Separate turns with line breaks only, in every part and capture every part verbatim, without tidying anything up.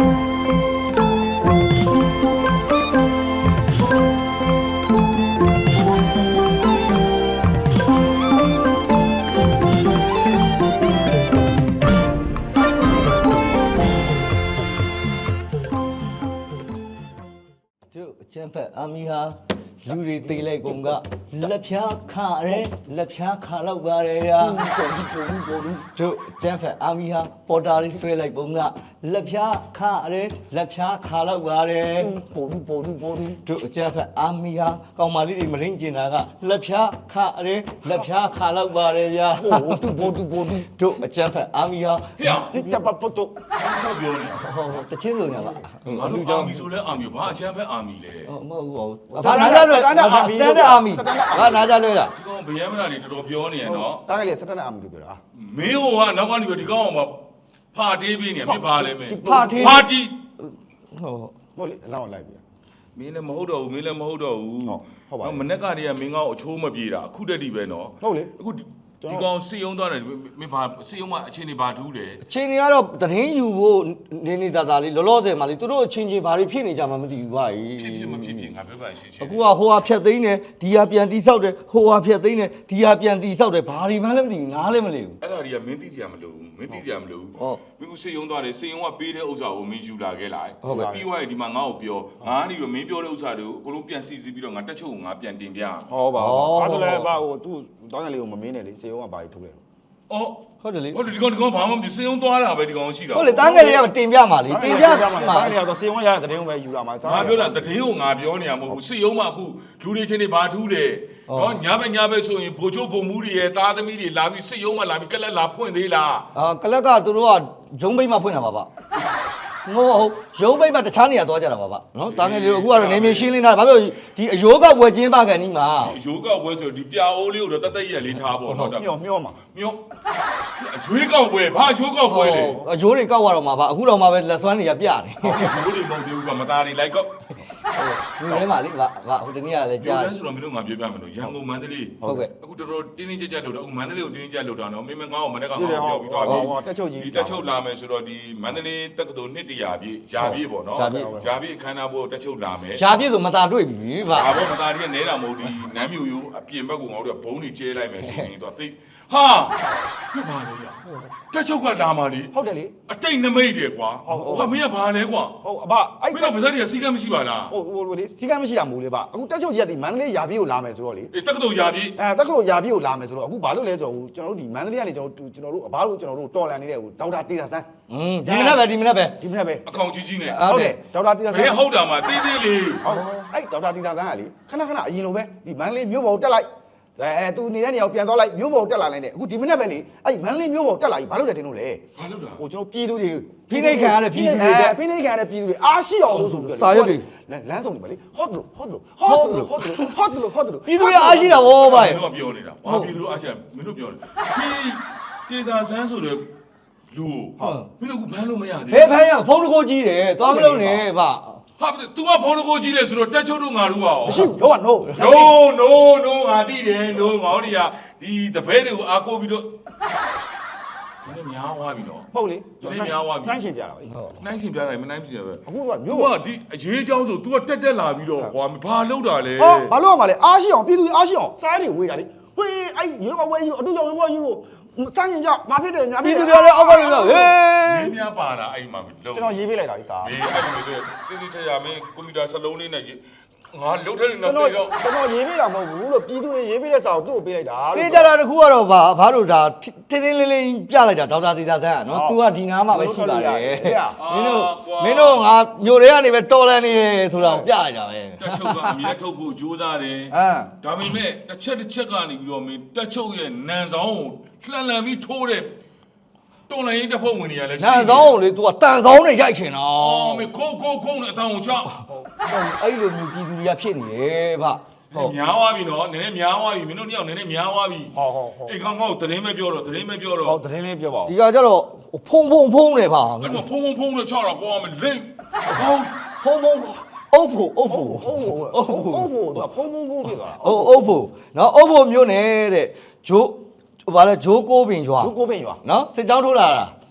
ကျန်းဖက်အမီဟာလူတွေတေးလိုက်ကုန်ကလက်ဖြားခါရဲလက်ဖြားခါလောက်ပါတယ်ဗျာတို့ကျန်းဖက်အမီဟာပေါ်တာလေးဆွဲလိုက်ပုံကလက်ဖြားခါရဲလက်ဖြားခါလောက်ပါတယ်ပေါ်ဘူးပေါ်ဘူးပေါ်ဘူးတို့ကျန်းဖက်အမီဟာကောင်မလေးတွေမရင်းကျင်တာကလက်ဖြားခါရဲလက်ဖြားခါလောက်ပါတယ်ဗျာပေါ်ဘူးပေါ်ဘူးပေါ်ဘူးတို့ကျန်းဖက်အမီဟာဟေ့တပ်ပတ်တော့
ဆောက်ပြောနေ
ဟောတချင်းစုံညာပါ
ငါတို့အာမီဆိုလဲအာမီဘာအချမ်းဖက်အာမီလဲ
မဟုတ်ဘူးဘာနာကြလဲစတန်ဒတ်အာမီစတန်ဒတ်အာမီဘာနာကြလဲလား
ဒီကောင်ဗျမ်းမလာနေတော်တော်ပြောနေရနော်
တားကလေးစတန်ဒတ်အာမီလို့ပြောတာ
မင်းဟိုကနောက်ကနေဒီကောင်ကဖာတေးပေးနေမင်းဘာလဲမင်း
ဖာတေး
ဖာတီ
ဟော
ဟုတ်လေအလောင်းလိုက်ပြီ
မင်းလည်းမဟုတ်တော့ဘူးမင်းလည်းမဟုတ်တော့ဘူးဟုတ်ပါဘူးမနေ့ကတည်းကမင်းကောင်အချိုးမပြေတာအခုတည်းတည်းပဲနော်
ဟုတ်လေ
အခုဒီကောင်စီယုံသွားတယ်မင်းဘာစီယုံမအချင်းနေဘာထူးတယ်
အချင်းတွေကတော့တရင်ယူဖို့နေနေတာသားလေးလောလောဆယ်မှာလေသူတို့အချင်းချင်းဘာတွေဖြစ်နေကြမှမသိဘူးဗျာ
ဖြစ်ဖြစ်မဖြစ်ဖြစ်ငါပြောပါရှင်းရှင်း
အခုကဟိုဟာဖြတ်သိမ်းတယ်ဒီဟာပြန်တီးဆောက်တယ်ဟိုဟာဖြတ်သိမ်းတယ်ဒီဟာပြန်တီးဆောက်တယ်ဘာတွေမှလည်းမသိဘူးနားလည်းမလဲဘူး
အဲ့ဒါတွေကမင်းသိကြမလို့မင်းသိကြမလို့ဟုတ်မင်းကစီယုံသွားတယ်စီယုံကပေးတဲ့ဥစ္စာကိုမင်းယူလာခဲ့လိုက်
ဟုတ်ကဲ့
ပြီးသွားရင်ဒီမှာငါ့ကိုပြောငါကနေပြီးမင်းပြောတဲ့ဥစ္စာတွေကိုအကုန်လုံးပြန်စီစီပြီးတော့ငါတက်ချုပ်ကိုငါပြန်တင်ပြ
ဟုတ်ပါဘူးအဲ့ဒါလည်းဘာဟိုသူ့တောင်းရလေးကိုမမင်းနဲ့လေစီယုံကဘာကြီးထုတ်လဲ
အော်
ဟုတ်တယ်လေ
ဟုတ်တယ်ဒီကောင်ဒီကောင်ဘာမှမစီယုံသွားတာပဲဒီကောင်ရှိတာ
ဟုတ်လေတန်းငယ်လေးကတင်ပြမှာလေတင်ပြမှာ
တန်းငယ်လေးကတော့စီယုံရတဲ့တဲ့ုံပဲယူလာမှာ
ငါပြောတာတဲ့ကိုငါပြောနေရမဟုတ်ဘူးစီယုံမှအခုလူတွေချင်းတွေဘာထူးတယ်နော်ညဘက်ညဘက်ဆိုရင်ဘိုလ်ချုပ်ဘုံမူတွေရဲ့သားသမီးတွေလာပြီးစီယုံမှလာပြီးကလက်လာဖွင့်သေးလား
အာကလက်ကသူတို့ကဂျုံဘိတ်မှဖွင့်တာပါဗျငိုဟုတ်ရုံးပိတ်မှတခြားနေရာသွားကြတာပါဗျနော်တာငယ်လေးတို့အခုကတော့နေမြေရှင်းလင်းတာဘာလို့ဒီအယိုးကဝယ်ချင်းပါကန်ဒီမှာ
အယိုးကဝယ်ဆိုဒီပြာအိုးလေးကိုတော့တသက်ရက်လေးထားပေါ့နော်
မျောမျောမှာ
မျောအရွေးကောက်ဝယ်ဘာအရွေးကောက်ဝယ်လဲ
အယိုးတွေကောက်ရတော့မှာဗျအခုတော့မှပဲလက်စွမ်းတွေကပြနေ
ဘိုးတွေမဟုတ်သေးဘူးကမသားတွေလိုက်ကောက်
ဒီထဲမှာလေဗျဗျဟိုတနေ့ကလည်းကြား
တယ်ဆိုတော့မင်းတို့ငါပြောပြမယ်လို့ရန်ကုန်မန္တလေး
ဟုတ်ကဲ့
အခုတော်တော်တင်းတင်းကြပ်ကြပ်လို့တော့အခုမန္တလေးကိုတင်းတင်းကြပ်လို့တော့နော်မင်းမငါ့ကိုမနေ့ကငါ့ကိုပြောပြီးသွားပြီ
တက်ချုပ်ကြီး
ဒီတက်ချုပ်လာမယ်ဆိုတော့ဒီမန္တလေးတက္ကသိုလ်နှစ်တရာပြည့်ရာပြည့်ပေါ့နော်ရာပြည့်အခမ်းအနားဖို့တက်ချုပ်လာမယ်
ရာပြည့်ဆိုမသားတွေ့ပြီဗျ
ဒါပေါ့မသားတည်းနဲတာမဟုတ်ဒီနမ်းမြို့ရိုးအပြင်ဘက်ကိုငါတို့ကဘုံတွေကျဲလိုက်မယ်ဆိုရင်တော့သိဟာပြပါလေရတက်ချုပ်ကလာမှလေ
ဟုတ်တယ်လေ
အတိတ်နမိတ်တယ်ကွာဟာမင်းကဘာလဲကွာ
ဟုတ်အဘ
အဲ့တော့ဗဇက်တွေကစီကံမရှိပါလား
ဟုတ်ဟိုလေစီကံမရှိတာမဟုတ်လေဗျအခုတက်ချုပ်ကြီးကဒီမန္တလေးရာပြည့်ကိုလာမယ်ဆိုတော့လေ
တက္ကသိုလ်ရာပြည့်
အဲတက္ကသိုလ်ရာပြည့်ကိုလာမယ်ဆိုတော့အခုဘာလို့လဲဆိုတော့ကျွန်တော်တို့ဒီမန္တလေးကနေကျွန်တော်ကျွန်တော်တို့အဘတို့ကျွန်တော်တို့တော်လန်နေတဲ့ဟိုဒေါက်တာတေတာဆန်း
อืมဒီမနက်ပဲဒီမနက်ပဲ
ဒီမနက်ပဲ
အကောင်ကြီးကြီးနဲ့
ဟုတ်တယ်ဒေါက်တာတေတာဆန်း
ဘယ်ဟုတ်တာမှတေးသေးလေး
ဟုတ်အဲ့ဒေါက်တာတေတာဆန်းကလေခဏခဏအရင်လိုပဲဒီမန္တလေးမြို့ပေါ်တက်လိုက်အဲသူနေတဲ့နေရာကိုပြန်သွားလိုက်မြို့ပေါ်တက်လာလိုက်နဲ့အခုဒီမနက်ပဲလေအဲ့မန္တလေးမြို့ပေါ်တက်လာပြီဘာလို့လဲတင်လို့လဲ
ဘာလို့လဲ
ဟိုကျွန်တော်ပြည်သူတွေ
ဖိနှိပ်ခံရတဲ့ပြည်သူတွေ
ဖိနှိပ်ခံရတဲ့ပြည်သူတွေအားရှိအောင်လို့ဆိုပြီးတော့
စာရွက်တွေ
လမ်းဆောင်တွေပါလေဟော့တယ်ဟော့တယ်ဟော့တယ်ဟော့တယ်ဟော့တယ်ဟော့တယ်
ပြည်သူတွေအားရှိတာဗောဗျာ
မင်းတို့ပြောနေတာဘာပြည်သူတို့အားရှိမင်းတို့ပြောနေဒီတေသာဆန်းဆိုတဲ့လူဟုတ်မင်းတို့ကဘန်းလို့မရသေး
ဘူးဘယ်ဘန်းရဖုန်းတကိုကြီးတယ်သွားမလို့နဲ့ဗျ
ဟာ तू ကဖုန်းတကိုကြီးလေဆိုတော့တက်ချုပ်တို့ငါတို့ရော
မရှိဘူးတော့ no
no no no ငါသိတယ် no ငါတို့တွေကဒီတပည့်တွေကိုအားကိုးပြီးတော့နည်းများသွားပြီနော်
ဟုတ်လေ
နည်းများသွားပြီ
နှိုင်းရှင်ပြတာပဲ
နှိုင်းရှင်ပြတာမနှိုင်းရှင်ပဲ
အခုက
မျိုးကဒီအရေးအကြောင်းဆို तू ကတက်တက်လာပြီးတော့ဟွာဘာလုပ်တာလဲ
ဟောဘာလုပ်ရမှာလဲအားရှိအောင်ပြည်သူတွေအားရှိအောင်စားတွေဝေးတာလေဝေးအဲ့ရေကဝေးယူအတူကြောင့်ဝေးယူစမ်းရင်ကြောင့်မဖြစ်တယ်ညာ
ဖြစ်တယ်ပြည်သူတွေလည်းအောက်ကလည်းဟေး
မင်းများပါတာအဲ့မှာလုံး
ကျွန်တော်ရေးပေးလိုက်တာလေစား
မင်းအဲ့လိုမျိုးတိတိကျကျမင်းကွန်ပျူတာစလုံးလေးနဲ့ငါလှုပ်ထက်နေတော့
ကျွန်တော်ကျွန်တော်ရေးပေးတာမဟုတ်ဘူးလို့ပြည်သူတွေရေးပေးတဲ့စာကိုသူ့ကိုပေးလိုက်တာ
တေးကြတာတခုကတော့ဗာဘာလို့ဒါတင်းတင်းလေးလေးပြလိုက်တာဒေါက်တာတေသာဆန်းကနော် तू ကဒီနားမှာပဲရှိပါတယ်မင်းတို့မင်းတို့ငါမျိုးတွေကနေပဲတော်လန်နေဆိုတာကိုပြလိုက်တာပဲ
တက်ချုပ်ကအမြဲထုတ်ဖို့ကြိုးစားတယ်ဒါပေမဲ့တစ်ချက်တစ်ချက်ကနေပြီးတော့မင်းတက်ချုပ်ရဲ့နန်ဆောင်ကိုလှန်လှန်ပြီးထိုးတဲ့တော်လိုင်းတစ်ဖက်ဝင်နေရလဲ
နန်ဆောင်ကိုလေ तू ကတန်ဆောင်နဲ့ရိုက်ချင်တာ
အော်မင်းခုံခုံခုံနဲ့အတောင်ကိုချ
အဲ့လိုမျိုးပြည်သူတွေကဖြစ်နေတယ်ဗျ
ဟုတ်များသွားပြီနော်နည်းနည်းများသွားပြီမင်းတို့နှစ်ယောက်နည်းနည်းများသွားပြီ
ဟုတ်ဟုတ်ဟုတ်
အေးကောင်ကောင်တရင်ပဲပြောတော့တရင်ပဲပြောတော့
ဟုတ်တရင်လေးပြောပါဦး
ဒီကကြတော့ဖုံဖုံဖုံနေပါ
အဲ့တော့ဖုံဖုံဖုံနဲ့ချတော့ကောင်းမယ်လိမ့်
ဟုတ်ဖုံဖုံအုပ်ဖို့အုပ်ဖို့
အုပ်ဖို့အုပ်ဖို့အုပ်ဖို့သူကဖုံဖုံဖုံဖြစ်သွား
အုပ်အုပ်ဖို့နော်အုပ်ဖို့မျိုးနေတဲ့ဂျိုးဘာလဲဂျိုးကိုပင်ရွာ
ဂျိုးကိုပင်ရွာ
နော်စစ်ကြောင်းထိုးလာတာ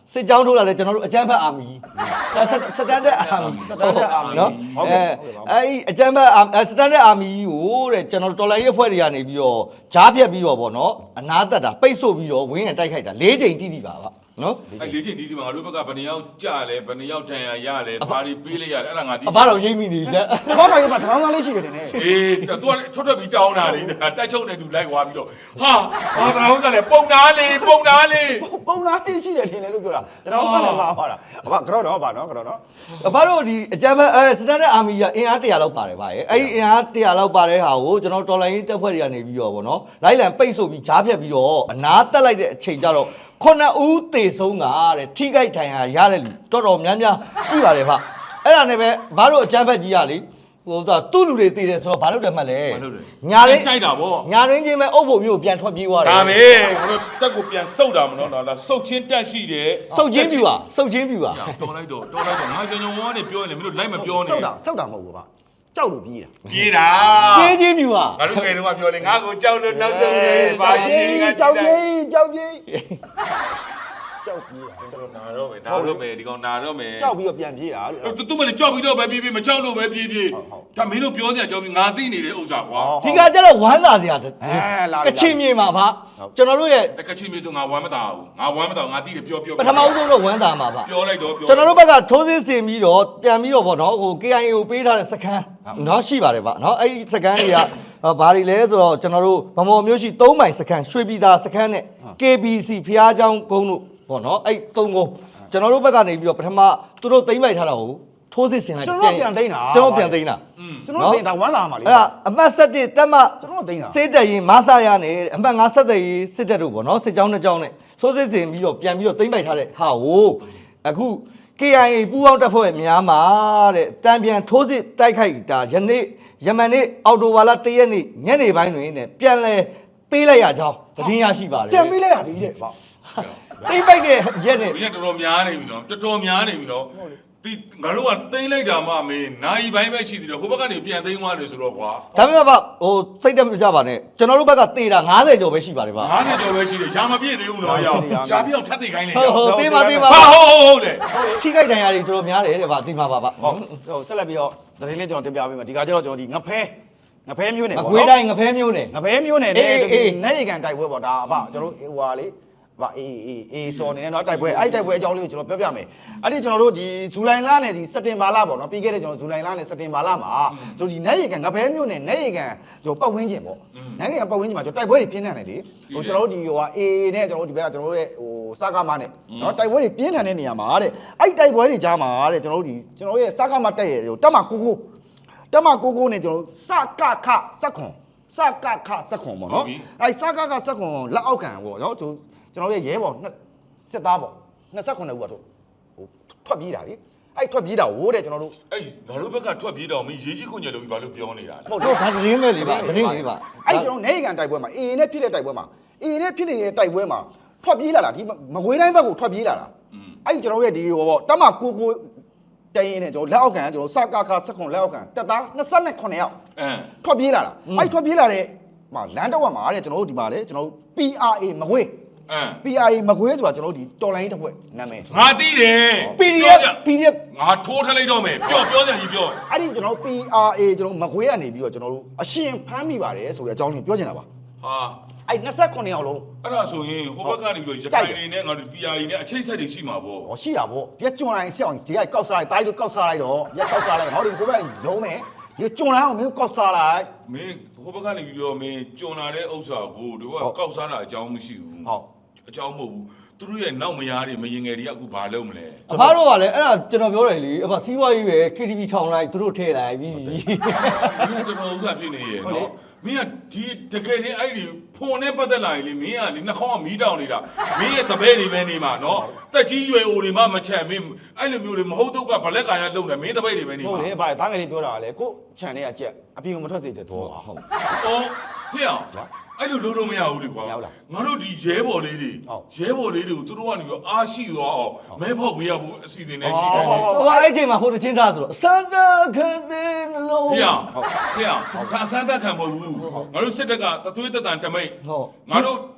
စစ်ကြောင်းထိုးလာတယ်ကျွန်တော်တို့အကြမ်းဖက်အာမီစတန်ဒတ်အာမီစတန်ဒတ်အာမီနော်အဲအဲ့အကြမ်းဖက်စတန်ဒတ်အာမီကိုတဲ့ကျွန်တော်တော်လိုင်းရဲ့ဖွဲ့တွေကနေပြီးတော့ဂျားပြက်ပြီးတော့ဗောနော်အနာတက်တာပိတ်ဆို့ပြီးတော့ဝင်းရတိုက်ခိုက်တာ၄ချိန်တိတိပါပါနော်
အဲ့လေးချင်းဒီဒီမှာငါတို့ဘက်ကဘယ်နှယောက်ကြာလဲဘယ်နှယောက်တန်ရရလဲဘာတွေပေးလိုက်ရတယ်အဲ့ဒါငါသိ
အဘတော်ရိမ့်မိနေပြီလက်
ဘာမှမတရောင်းသားလေးရှိတယ်နဲ့
အေးသူကထွက်ထွက်ပြီးတောင်းတာလေတက်ချုပ်နေသူလိုက်သွားပြီးတော့ဟာဘာတောင်းကြလဲပုံသားလေးပုံသားလေး
ပုံလားလေးရှိတယ်ထင်တယ်လို့ပြောတာတရောင်းသားလည်းမှာပါတာအဘကတော့တော့ပါနော်ကတော့နော်
အဘတို့ဒီအကြမ်းဖက်အဲစတန်ဒတ်အာမီကအင်အားတရာလောက်ပါတယ်ဗျာအဲ့ဒီအင်အားတရာလောက်ပါတဲ့ဟာကိုကျွန်တော်တော်လိုင်းတက်ဖွဲ့တွေကနေပြီးတော့ဗောနော်လိုက်လံပိတ်ဆို့ပြီးဂျားပြက်ပြီးတော့အနာတက်လိုက်တဲ့အချိန်ကျတော့ခုနှစ်ဦးသေဆုံးတာတဲ့ထိခိုက်ထိုင်ဟာရတဲ့လူတော်တော်များများရှိပါတယ်ဗျအဲ့ဒါနဲ့ပဲဘာလို့အကြမ်းဖက်ကြီးရလေဟိုသူ့လူတွေသေတယ်ဆိုတော့ဘာလို့တယ်မှတ်လဲညာရင်း
တိုက်တာဗော
ညာရင်းချင်းပဲအုပ်ဖို့မျိုးပြန်ထွက်ပြေးသွားတယ်
ဒါပဲငါတို့တက်ကိုပြန်စုတ်တာမနော်လားစုတ်ချင်းတက်ရှိတယ်
စုတ်ချင်းပြူပါစုတ်ချင်းပြူပါ
တော်လိုက်တော့တော်လိုက်တော့ငါကြောင်ကြောင်ဝါးနေပြောရင်လည်းမင်းတို့လိုက်မပြောနဲ့
စောက်တာစောက်တာမဟုတ်ဘူးဗျကြောက်လို့ပြေးတာ
ပြေးတာ
ပြေးချင်းပြူပါ
ငါတို့ငယ်တုန်းကပြောလေငါကိုကြောက်လို့နောက်ဆုံးနေပါရေးက
ကြောက်ပြေးကြောက်ပြေးကြောက်ပြေးတာ
ကျွန်တော်နာတော့မယ်နာတော့မယ်ဒီကောင်နာတော့မယ်
ကြောက်ပြီးတော့ပြန်ပြေးတာလို့
တူတူမလည်းကြောက်ပြီးတော့ပဲပြေးပြေးမကြောက်လို့ပဲပြေးပြေးဒါမင်းတို့ပြောနေကြကြောက်ပြီးငါသိနေတဲ့ဥစ္စာကွာ
ဒီကကျတော့ဝမ်းသာစရာ
အဲလာ
ကချင်မြေမှာဗျကျွန်တော်တို့ရဲ့
တကချင်းမျိုးဆိုငါဝမ်းမတာဘူးငါဝမ်းမတာငါသိတယ်ပြောပြော
ပထမဦးဆုံးတော့ဝမ်းသာမှာဗျ
ပြောလိုက်တော့ပြော
ကျွန်တော်တို့ဘက်ကထိုးစစ်ဆင်ပြီးတော့ပြန်ပြီးတော့ဗောနော်ဟို K I A ကိုပေးထားတဲ့စခန်းနော်ရှိပါတယ်ဗျနော်အဲ့ဒီစခန်းတွေကဘာတွေလဲဆိုတော့ကျွန်တော်တို့ဗမော်မျိုးရှိ၃မိုင်စခန်းရွှေပြည်သာစခန်းနဲ့ K B C ဖျားเจ้าကုန်းတို့ဗောနော်အဲ့၃ကုန်းကျွန်တော်တို့ဘက်ကနေပြီးတော့ပထမသူတို့သိမ့်ပိုက်ထားတာကိုထိုးစစ်ဆင်လိုက်
ကျွန်တော်ပြန်သိမ်းတာ
ကျွန်တော်ပြန်သိမ်းတာ
ကျွန်တော်သိမ်းတာဝမ်းသာမှာလေ
အဲ့ဒါအမှတ်၁၁တက်မ
ကျွန်တော်သိမ်းတာ
စစ်တပ်ရင်မဆာရနဲ့အမှတ်၅ဆက်တဲ့ရေးစစ်တပ်တို့ဗောနော်စစ်ကြောင်းနှစ်ကြောင်းနဲ့ထိုးစစ်ဆင်ပြီးတော့ပြန်ပြီးတော့သိမ့်ပိုက်ထားတဲ့ဟာကိုအခု K I A ပူးပေါင်းတပ်ဖွဲ့များမှာတဲ့တံပြန်ထိုးစစ်တိုက်ခိုက်တာယနေ့ယမန်နေ့အော်တိုဝါလာ၁ရက်နေ့ညနေပိုင်းတွင်တဲ့ပြန်လဲပေးလိုက်ရကြောင်းသတင်းရရှိပါတယ်
ပြန်ပေးလိုက်ရပြီတဲ့ဗျ
သိမ့်ပိုက်တဲ့ရက်နဲ့
မင်းကတော်တော်များနေပြီနော်တော်တော်များနေပြီနော်ဒီငါတို့ကသိမ့်လိုက်တာမှမင်းနိုင်ပိုင်းပဲရှိသေးတယ်ဟိုဘက်ကနေပြန်သိမ့်သွားတယ်ဆိုတော့ကွာ
ဒါပေမဲ့ဗျဟိုစိတ်တက်မကြပါနဲ့ကျွန်တော်တို့ဘက်ကတေတာ၅၀ကျော်ပဲရှိပါတယ်ဗျ
ငါးနဲ့ကျော်ပဲရှိတယ်ရှားမပြည့်သေးဘူးနော်ရောက်ရှားပြအောင်ထပ်သိခိုင်းလေ
ဟုတ်ဟုတ်တေးပါတေးပါ
ဟာဟုတ်ဟုတ်ဟုတ်လေ
ထိခိုက်ဒဏ်ရာတွေတော်တော်များတယ်တဲ့ဗျတေးပါပါဗျ
ဟုတ်ဟိုဆက်လက်ပြီးတော့သတင်းလေးကျွန်တော်တင်ပြပေးမယ်ဒီကကျတော့ကျွန်တော်ဒီငဖဲငဖဲမျိုးနဲ့
အ
ပေါ့
ခွေးတိုင်းငဖဲမျိုးနဲ့
ငဖဲမျိုးနဲ့
အေး
နဲ့
အေး
နဲ့ရေကန်တိုက်ပွဲပေါ့ဒါအဖကျွန်တော်တို့ဟိုဟာလေဗာအေးအေးအေးစော်နေတယ်เนาะတိုက်ပွဲအဲ့တိုက်ပွဲအကြောင်းလေးကိုကျွန်တော်ပြောပြမယ်အဲ့ဒီကျွန်တော်တို့ဒီဇူလိုင်လနဲ့ဒီစက်တင်ဘာလပေါ့เนาะပြီးခဲ့တဲ့ကျွန်တော်ဇူလိုင်လနဲ့စက်တင်ဘာလမှာကျွန်တော်ဒီနဲ့ရေကန်ငဖဲမျိုးနဲ့နဲ့ရေကန်ကျွန်တော်ပတ်ဝန်းကျင်ပေါ့နဲ့ရေကန်ပတ်ဝန်းကျင်မှာကျွန်တော်တိုက်ပွဲတွေပြင်းထန်တယ်လေဟိုကျွန်တော်တို့ဒီဟိုဟာအေးနဲ့ကျွန်တော်တို့ဒီဘက်ကကျွန်တော်တို့ရဲ့ဟိုစကားမနဲ့เนาะတိုက်ပွဲတွေပြင်းထန်တဲ့နေရာမှာတဲ့အဲ့တိုက်ပွဲတွေကြားမှာတဲ့ကျွန်တော်တို့ဒီကျွန်တော်တို့ရဲ့စကားမတက်ရဲ့ဟိုတက်မှာကိုကိုတက်မှာကိုကိုနဲ့ကျွန်တော်စကခစက်ခွန်စကခစက်ခွန်ပေါ့နော်အဲ့စကခစက်ခွန်လက်အောက်ခံပေါ့နော်ကျွန်ကျွန်တော်ရဲ့ရဲဘော်စစ်သားပေါ့၂၉ဦးကတော့ဟိုထွက်ပြေးတာလေအဲ့ထွက်ပြေးတာဟိုတဲ့ကျွန်တော်တို့
အေးငါတို့ဘက်ကထွက်ပြေးတော့မင်းရေးကြီးခွင့်ကြလို့ဘာလို့ပြောနေတာလဲ
ဟုတ်တော့ဒါသတင်းပဲလေဗျသတင်းလေးပါ
အဲ့ကျွန်တော်နေကန်တိုက်ပွဲမှာအေးနဲ့ဖြစ်တဲ့တိုက်ပွဲမှာအေးနဲ့ဖြစ်နေတဲ့တိုက်ပွဲမှာထွက်ပြေးလာတာဒီမကွေးတိုင်းဘက်ကိုထွက်ပြေးလာတာအဲ့ကျွန်တော်ရဲ့ဒီဟိုပေါ့တမကိုကိုတိုင်ရင်နဲ့ကျွန်တော်လက်အောက်ခံကျွန်တော်စကခစက်ခွန်လက်အောက်ခံတက်သား၂၉ယောက်
အင်း
ထွက်ပြေးလာတာအဲ့ထွက်ပြေးလာတဲ့မှာလမ်းတော့မှာတဲ့ကျွန်တော်တို့ဒီမှာလေကျွန်တော်တို့ P R A မကွေး
အင်း
P R A မကွေးဆိုတာကျွန်တော်တို့ဒီတော်လိုင်းတစ်ဖွဲ့နာမည်
ငါသိတယ်
ပီဒီအက်ဖ် ပီဒီအက်ဖ်
ငါထိုးထလိုက်တော့မယ်ပြောပြောကြကြီးပြော
အဲ့ဒီကျွန်တော် P R A ကျွန်တော်မကွေးကနေပြီးတော့ကျွန်တော်တို့အရှင်ဖမ်းမိပါတယ်ဆိုတဲ့အကြောင်းကိုပြောချင်တာပါ
ဟာ
အဲ့၂၉ယောက်လုံး
အဲ့ဒါဆိုရင်ဟိုဘက်ကနေပြီးတော့ရခိုင်နေနဲ့ငါတို့ P R A နဲ့အချိတ်ဆက်တွေရှိမှာပေါ့
ဟောရှိတာဗောဒီကကျွန်းလိုက်ဆက်အောင်ဒီကကောက်စားလိုက်တိုင်းတို့ကောက်စားလိုက်တော့ရက်ကောက်စားလိုက်ဟောဒီကိုပဲလုံးမယ်ဒီကျွန်းလိုက်အောင်မင်းကောက်စားလိုက်
မင်းဟိုဘက်ကနေပြီးတော့မင်းကြုံလာတဲ့ဥစ္စာကိုတို့ကကောက်စားတာအကြောင်းမရှိဘူး
ဟုတ်
အကြောင်းမဟုတ်ဘူးသူတို့ရဲ့နောက်မယားတွေမရင်ငယ်တွေကအခုဘာလုပ်မလဲ
အဖားတို့ကလည်းအဲ့ဒါကျွန်တော်ပြောတယ်လေအဖစီးပွားရေးပဲ K T V ထောင်လိုက်သူတို့ထည့်လိုက်ပြီ
မင်းတော်တော်ဥစ္စာဖြစ်နေရဲ့နော်မင်းကဒီတကယ်ချင်းအဲ့ဒီဖုန်နဲ့ပတ်သက်လာရင်လေမင်းကလေနှာခေါင်းကမီးတောင်နေတာမင်းရဲ့တပည့်တွေပဲနေမှာနော်တက်ကြီးရွယ်အိုတွေမှမချမ်းမင်းအဲ့လိုမျိုးတွေမဟုတ်တော့ကဘလက်ကာရလုံတယ်မင်းတပည့်တွေပဲနေ
ဟုတ်
မှာ
လေဗါတားငယ်လေးပြောတာကလေကိုခြံထဲကကြက်အပြင်ကိုမထွက်စေတဲ့တော့ပါဟုတ်
အော်ဖေအောင်အဲ့လိုလုံးလုံးမရဘူးလေကွာငါတို့ဒီရဲဘော်လေးတွေရဲဘော်လေးတွေကိုသူတို့ကနေပြီးအားရှိသွားအောင်မဲဖောက်ပေးရဖို့အစီအစဉ်နဲ့ရှိတယ်
ဟိုအဲ့ချိန်မှာဟိုတချင်းထားဆိုတော့စန္ဒခတဲ့နှလုံး
ဖေအောင်ဖေအောင်ဒါအစမ်းသက်ခံမဟုတ်ဘူးငါတို့စစ်တပ်ကတသွေးတက်တန်တမိတ်
ဟုတ်
ငါတို့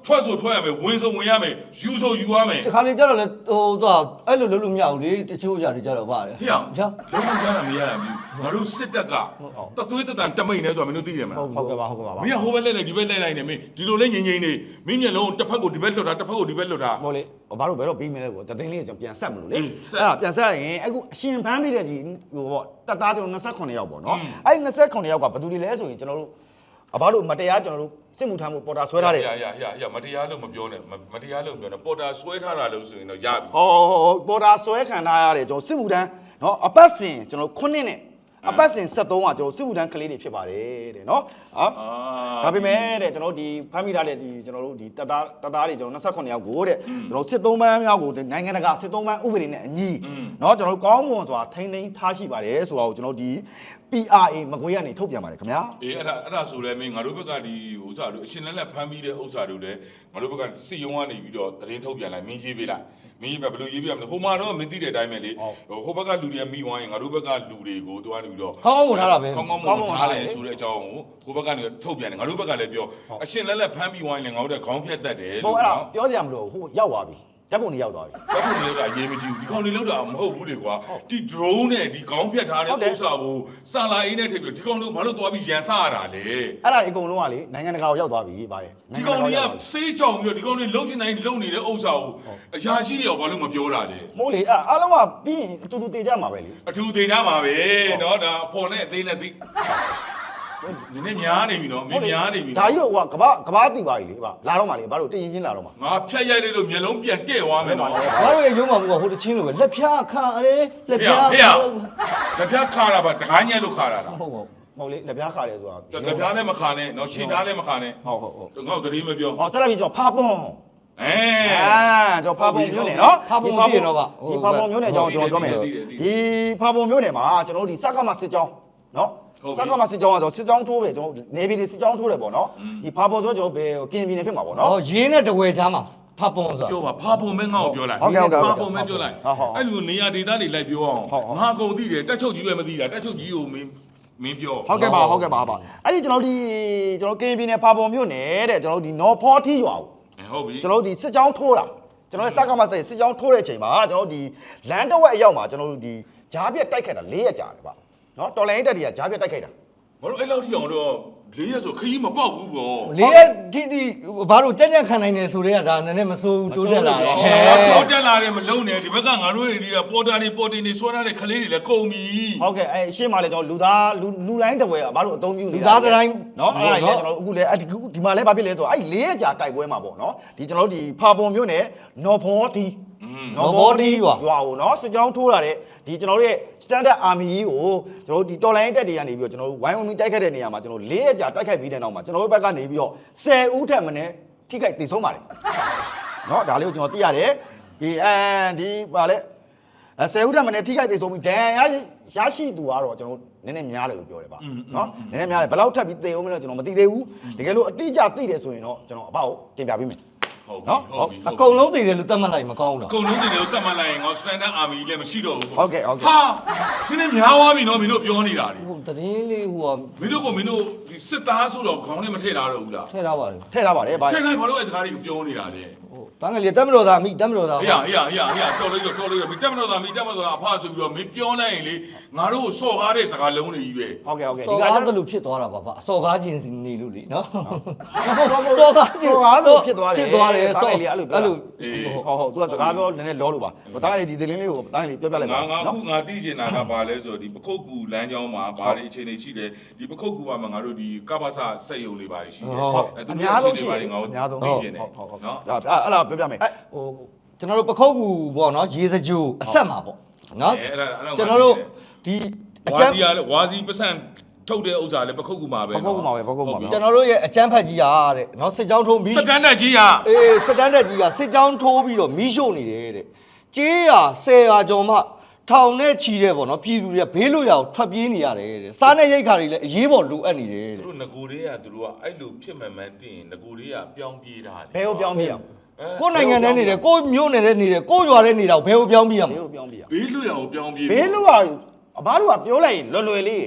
ထွက်ဆိုထွက်ရမယ်ဝင်ဆိုဝင်ရမယ်ယူဆိုယူရမယ်
တခါလေကြတော့လေဟိုတော့အဲ့လိုလုပ်လို့မရဘူးလေတချို့ຢာတွေကြတော့ပါတယ်
ဟေ့အောင်
ကြာ
လုံးဝကြားတာမရဘူးငါတို့စစ်တပ်ကတသွေးတတန်တမိတ်နေဆိုတော့မင်းတို့သိတယ်မလား
ဟုတ်ကဲ့ပါဟုတ်ကဲ့ပါ
မင်းကဟိုဘက်လက်လိုက်ဒီဘက်လက်လိုက်နေမင်းဒီလိုလေးငိမ့်ငိမ့်နေမင်းမျက်လုံးတစ်ဖက်ကိုဒီဘက်လွတ်တာတစ်ဖက်ကိုဒီဘက်လွတ်တာ
ဟုတ်လေဘာလို့ဘယ်တော့ပြီးမလဲကိုတသိန်းလေးကျွန်တော်ပြန်ဆက်မလို့လေ
အေး
အဲ့
ဆက်
ဒါပြန်ဆက်ရင်အခုအရှင်ဖမ်းပြီးတဲ့ဒီဟိုပေါ့တက်သားကျွန်တော်29ယောက်ပေါ့နော်
อืม
အဲ့ဒီ29ယောက်ကဘယ်သူတွေလဲဆိုရင်ကျွန်တော်တို့အဘာလို့မတရားကျွန်တော်တို့စစ်မှုထမ်းမှုပေါ်တာဆွဲထားတယ်
ရရရရမတရားလို့မပြောနဲ့မတရားလို့မပြောနဲ့ပေါ်တာဆွဲထားတာလို့ဆိုရင်တော့ရပြီ
ဟောပေါ်တာဆွဲခံထားရတယ်ကျွန်တော်စစ်မှုထမ်းနော်အပတ်စဉ်ကျွန်တော်ခုနှစ်နဲ့အပတ်စဉ်73ကကျွန်တော်စစ်မှုထမ်းကလေးတွေဖြစ်ပါတယ်တဲ့နော်ဟာ
အာ
ဒါပေမဲ့တဲ့ကျွန်တော်ဒီဖမ်းမိထားတဲ့ဒီကျွန်တော်တို့ဒီတပ်သားတပ်သားတွေကျွန်တော်29ယောက်ကိုတဲ့ကျွန်တော်စစ်သုံးပန်းမြောက်ကိုနိုင်ငံတကာစစ်သုံးပန်းဥပဒေနဲ့အညီเนาะကျွန်တော်တို့ကောင်းမွန်စွာထိန်းသိမ်းထားရှိပါတယ်ဆိုတော့ကျွန်တော်ဒီ P R A မကွေးကနေထုတ်ပြန်ပါတယ်ခင်ဗျာ
အေးအဲ့ဒါအဲ့ဒါဆိုလဲမင်းငါတို့ဘက်ကဒီဥစ္စာတို့အရှင်လက်လက်ဖမ်းပြီးတဲ့ဥစ္စာတို့လည်းငါတို့ဘက်ကစစ်ရုံးကနေပြီးတော့တရင်ထုတ်ပြန်လိုက်မင်းရေးပေးလိုက်မင်းရေးဘယ်လိုရေးပြရမလဲဟိုမှာတော့မင်းသိတဲ့အတိုင်းပဲလေဟိုဘက်ကလူတွေကမိဝိုင်းငါတို့ဘက်ကလူတွေကိုတွားနေပြီးတော့
ကောင်းကောင်းဝင်ထားတာပဲ
ကောင်းကောင်းမွန်ထားတယ်ဆိုတဲ့အကြောင်းကိုကိုဘက်ကနေထုတ်ပြန်တယ်ငါတို့ဘက်ကလည်းပြောအရှင်လက်လက်ဖမ်းပြီးဝိုင်းလည်းငါတို့ကခေါင်းဖြတ်တတ်တယ်
ဟိုအဲ့ဒါပြောကြရမလို့ဟိုရောက်သွားပြီဓာတ်ပုံတွေရောက်သွားပြီ
ဘာဖြစ်လို့လဲကအရေးမကြီးဘူးဒီကောင်တွေလောက်တာမဟုတ်ဘူးလေကွာဒီ drone နဲ့ဒီခေါင်းဖြတ်ထားတဲ့ဥစ္စာကိုစာလာအင်းနဲ့ထည့်ပြီးဒီကောင်တို့ဘာလို့တွားပြီးရန်စားရတာလဲ
အဲ့ဒါအကုန်လုံးကလေနိုင်ငံတကာကိုရောက်သွားပြီဗါရဲ့
ဒီကောင်တွေကစေးကြောင်ပြီးတော့ဒီကောင်တွေလုံချင်တိုင်းလုံနေတဲ့ဥစ္စာကိုအရာရှိတွေရောဘာလို့မပြောတာလဲ
မဟုတ်လေအဲ့အားလုံးကပြီးရင်အတူတူတည်ကြမှာပဲလေ
အထူးသေးကြမှာပဲเนาะဒါအဖော်နဲ့အသေးနဲ့သိနည်းနည်းများနေပြီเนาะမင်းများနေပြီ
ဒါကြီးကကဘာကဘာတည်ပါပြီလေဗါလာတော့မှလေဘာလို့တည်ရင်ချင်းလာတော့မှ
ငါဖြတ်ရိုက်လိုက်လို့မျက်လုံးပြန်တဲ့သွားမယ်เนาะ
ဘာလို့ရုံးမှာမဟုတ်ဟိုတချင်းလိုပဲလက်ဖြားခါရဲလက်ဖြား
ဖေရ လက်ပြခါတာပါတကားညက်လို့ခါတာလား
ဟုတ်ဟုတ်
မဟုတ်လေလက်ပြားခါတယ်ဆိုတာ
လက်ပြနဲ့မခါနဲ့เนาะခြေသားနဲ့မခါနဲ့
ဟုတ်ဟုတ်ဟုတ်
ငါ့ကိုတတိမပြော
ဟောဆက်လိုက်ပြီးကျွန်တော်ဖာပွန်
အဲ
အာကျွန်တော်ဖာပုံမျိုးနယ်နော်
ဖာပုံပြည့်တော့ပါ
ဒီဖာပုံမျိုးနယ်ကျွန်တော်ကျွန်တော်ပြောမယ်ဒီဖာပုံမျိုးနယ်မှာကျွန်တော်တို့ဒီစက်ကမစစ်ကြောင်းနော်စက်ကမစစ်ကြောင်းကတော့စစ်ကြောင်းထိုးတယ်ကျွန်တော်နေပြည်တော်စစ်ကြောင်းထိုးတယ်ပေါ့နော်ဒီဖာပုံဆိုကျွန်တော်ဘယ်ကင်ပြည်နယ်ဖြစ်မှာပေါ့နော်
ဟောရင်းနဲ့တဝဲချားမှာဖာပုံဆို
ပြောပါဖာပုံမဲငါ့ကိုပြောလိုက်
ဟုတ်ကဲ့ဟုတ်ကဲ့
ဖာပုံမဲပြောလိုက်
ဟုတ်ဟုတ်
အဲ့လိုနေရာဒေသတွေလိုက်ပြောအောင်
ဟုတ်ဟုတ်
ငါအကုန်သိတယ်တက်ချုပ်ကြီးပဲမသိတာတက်ချုပ်ကြီးကိုမင်းမင်းပြော
ဟုတ်ကဲ့ပါဟုတ်ကဲ့ပါပါအဲ့ဒီကျွန်တော်ဒီကျွန်တော်ကင်ပြည်နယ်ဖာပုံမျိုးနယ်တဲ့ကျွန်တော်ဒီနော်ဖောထီရွာကို
အဲဟုတ်ပြီ
ကျွန်တော်ဒီစစ်ကြောင်းထိုးတာကျွန်တော်စက်ကမစစ်စစ်ကြောင်းထိုးတဲ့အချိန်မှာကျွန်တော်ဒီလမ်းတစ်ဝက်အရောက်မှာကျွန်တော်တို့ဒီဂျားပြက်တိုက်ခိုက်တာ၄ရက်ကြာတယ်ဗျနော်တော်လိုင်းတက်တွေကဂျားပြက်တိုက်ခိုက်တာ
မတို့အဲ့လောက်ထိအောင်တော့လေးရက်ဆိုခရီးမပေါက်ဘူးပေါ့
လေးရက်တိတိဘာလို့ကြက်ကြက်ခံနိုင်နေဆိုတဲ့ကဒါနည်းနည်းမစိုးဘူးတိုးတက်လာတယ်ဟဲ့
တော့တက်လာတယ်မလုံးနဲ့ဒီဘက်ကငါတို့တွေကပေါ်တာတွေပေါ်တင်တွေဆွဲထားတဲ့ကလေးတွေလည်းကုန်ပြီ
ဟုတ်ကဲ့အဲရှေ့မှာလည်းကျွန်တော်လူသားလူလူလိုင်းတစ်ဝဲကဘာလို့အသုံးပြုနေတာ
လူသားတိုင်း
နော်အဲ့ဒါကြီးကျွန်တော်အခုလည်းအဲ့ဒီဒီမှာလည်းဘာဖြစ်လဲဆိုတော့အဲ့၄ရက်ကြာတိုက်ပွဲမှာပေါ့နော်ဒီကျွန်တော်တို့ဒီဖာပုံမျိုးနဲ့နော်ဖောတီရွာကိုနော်စစ်ကြောင်းထိုးလာတဲ့ဒီကျွန်တော်တို့ရဲ့ standard army ကြီးကိုကျွန်တော်တို့ဒီတော်လိုင်းတက်တွေကနေပြီးတော့ကျွန်တော်တို့ဝိုင်းဝန်းပြီးတိုက်ခတ်တဲ့နေရာမှာကျွန်တော်၄ရက်ကြာတိုက်ခိုက်ပြီးတဲ့နောက်မှာကျွန်တော်တို့ဘက်ကနေပြီးတော့၁၀ဦးထက်မနည်းထိခိုက်ဒေဆုံးပါတယ်နော်ဒါလေးကိုကျွန်တော်သိရတယ်ဒီအန်ဒီပါလေအဲ၁၀ဦးထက်မနည်းထိခိုက်ဒေဆုံးပြီးဒဏ်ရာရရှိသူကတော့ကျွန်တော်နည်းနည်းများတယ်လို့ပြောတယ်ဗျနော်နည်းနည်းများတယ်ဘယ်လောက်ထပ်ပြီးသေအောင်မလဲကျွန်တော်မသိသေးဘူးတကယ်လို့အတိအကျသိတယ်ဆိုရင်တော့ကျွန်တော်အပေါ့တင်ပြပေးမယ်
ဟုတ်
နော်
ဟုတ်ပြီ
အကုန်လုံးသိတယ်လို့တတ်မှတ်လိုက်မကောင်းဘူး
အကုန်လုံးတွေလည်းတတ်မှတ်လိုက်ရင်ငါ standard army လည်းမရှိတော့ဘူး
ဟုတ်ကဲ့ဟုတ်ကဲ့
ဟာဒီနေ့များသွားပြီနော်မင်းတို့ပြောနေတာလေ
ဟိုတရင်လေးဟို
မင်းတို့ကမင်းတို့ဒီစစ်သားဆိုတော့ခေါင်းနဲ့မထည့်ထားတော့ဘူးလား
ထည့်ထားပါလေ
ထည့်ထားပါတယ်ဗျာ
ထည့်လိုက်ဘာလို့အဲစကားတွေကိုပြောနေတာလဲ
ဟိုတန်းကလေးတက်မတော်သားမိတက်မတော်သား
ဟေးဟေးဟေးဟေးတော်လိုက်တော့တော်လိုက်တော့မင်းတက်မတော်သားမင်းတက်မတော်သားအဖဆိုပြီးတော့မင်းပြောလိုက်ရင်လေငါတို့စော်ကားတဲ့စကားလုံးတွေကြီးပဲ
ဟုတ်ကဲ့ဟုတ်ကဲ့
စော်
ဒီက
ကား
ကျ
တ
တော့
လို့ဖြစ်သွားတာပါဗျအစော်ကားခြင်းနေလို့လေနော်
စော်ကားစော်ကားလို့ဖြစ်သွားတယ်
ဖြစ်သွားတယ်
စော်
စော်
လေးအဲ့လို
အဲ့လို
အေး
ဟုတ်ဟုတ်သူကစကားပြောနည်းနည်းလောလို့ပါဟိုတားလေးဒီသတင်းလေးကိုတားလေးပြောပြလိုက်ပါ
ငါငါ
နော်
ခုငါသိချင်တာကဘာလဲဆိုတော့ဒီပခုတ်ကူလမ်းကြောင်းမှာဘာတွေအခြေအနေရှိတယ်ဒီပခုတ်ကူမှာငါတို့ဒီကပ္ပစစက်ယုံလေးပါရှိတယ်
အများဆုံးရှိ
ငါ
တယ်
တို့
အများဆုံး
သိ
ဟုတ်
ချင်တယ်
ဟုတ်ဟုတ်
နော်
အဲ့အဲ့လားပြောပြမယ်
အဲဟိုကျွန်တော်တို့ပခုတ်ကူပေါ့နော်ရေစကြိုအဆက်မှာပေါ့နော်
အဲအဲ့ဒါအဲ့ဒါ
ကျွန်တော်တို့ဒီအ
ဝါ
ကျန်း
စီရလဲဝါစီပစံထုတ်တဲ့ဥစ္စာလဲပခုတ်ကူမှာပဲ
ပခုတ်ကူမှာပဲပခုတ်ကူမှာပဲ
ကျွန်တော်တို့ရဲ့အကျန်းဖက်ကြီးကတဲ့နော်စစ်ကြောင်းထိုးပြီး
စတန်ဒတ်ကြီးဟာ
အေးစစ်တန်းတက်ကြီးကစစ်ကြောင်းထိုးပြီးတော့မီးရှို့နေတယ်တဲ့ကြေးရဆယ်ရာကျော်မှထောင်နဲ့ချီတဲ့ပေါ့နော်ပြည်သူတွေကဘေးလွတ်ရာကိုထွက်ပြေးနေရတယ်တဲ့စားနဲ့ရိတ်ခါတွေလည်းအရေးပေါ်လိုအပ်နေတယ်
သူ
တဲ့
တို့ငကိုတွေကသူတို့ကအဲ့လိုဖြစ်မှန်မှန်သိရင်ငကိုတွေကပြောင်းပြေးတာလေ
ဘယ်ကိုပြောင်းပြရအောင်
ကိုယ်နိုင်ငံထဲနေတယ်ကိုယ်မြို့နယ်ထဲနေတယ်ကိုယ်ရွာထဲနေတာကိုဘယ်ကိုပြောင်းပြရမ
ဘယ်
လဲ
ကိုပြောင်းပြရအောင်
ဘေးလွတ်ရာကိုပြောင်းပြေး
ဘေးလူကအဘတို့ကပြောလိုက်ရင်လွယ်လွယ်လေး